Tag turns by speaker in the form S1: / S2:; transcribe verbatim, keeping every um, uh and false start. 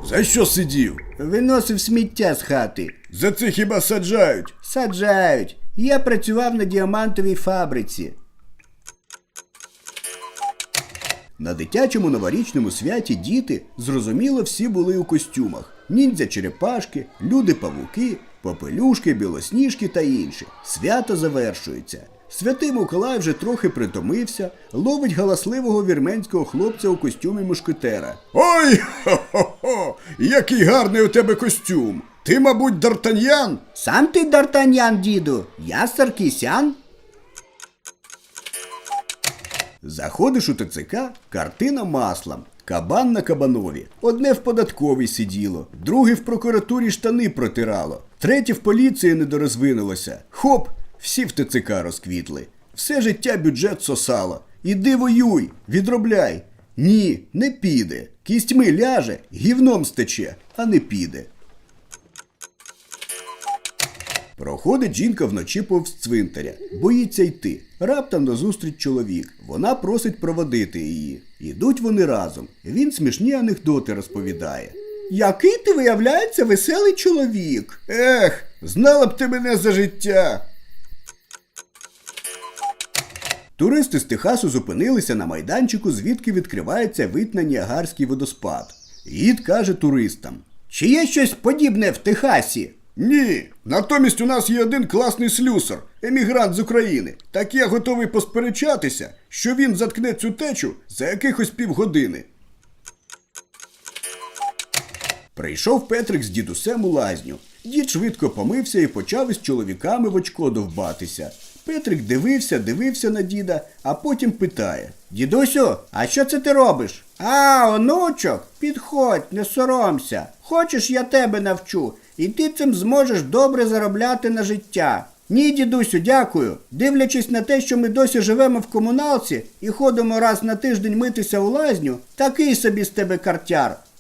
S1: За що сидів?
S2: Виносив сміття з хати.
S1: За це хіба саджають?
S2: Саджають. Я працював на діамантовій фабриці. На дитячому новорічному святі діти, зрозуміло, всі були у костюмах. Ніндзя-черепашки, люди-павуки, попелюшки, білосніжки та інші. Свято завершується. Святий Миколай вже трохи притомився, ловить галасливого вірменського хлопця у костюмі мушкетера.
S1: Ой, хо-хо-хо, який гарний у тебе костюм. Ти, мабуть, Д'Артаньян?
S2: Сам ти Д'Артаньян, діду, я Саркісян. Заходиш у ТЦК, картина маслом. Кабан на кабанові. Одне в податковій сиділо, друге в прокуратурі штани протирало, третє в поліції не дорозвинулося. Хоп, всі в ТЦК розквітли. Все життя бюджет сосало. Іди воюй, відробляй. Ні, не піде. Кістьми ляже, гівном стече, а не піде. Проходить жінка вночі повз цвинтаря. Боїться йти. Раптом назустріч чоловік. Вона просить проводити її. Ідуть вони разом. Він смішні анекдоти розповідає. Який ти, виявляється, веселий чоловік.
S1: Ех, знала б ти мене за життя.
S2: Туристи з Техасу зупинилися на майданчику, звідки відкривається вид на Ніагарський водоспад. Гід каже туристам. Чи є щось подібне в Техасі?
S1: Ні, натомість у нас є один класний слюсар, емігрант з України. Так я готовий посперечатися, що він заткне цю течу за якихось півгодини.
S2: Прийшов Петрик з дідусем у лазню. Дід швидко помився і почав із чоловіками в очко довбатися. Петрик дивився, дивився на діда, а потім питає. Дідусю, а що це ти робиш? А, онучок, підходь, не соромся. Хочеш, я тебе навчу, і ти цим зможеш добре заробляти на життя. Ні, дідусю, дякую. Дивлячись на те, що ми досі живемо в комуналці і ходимо раз на тиждень митися у лазню, такий собі з тебе картяр.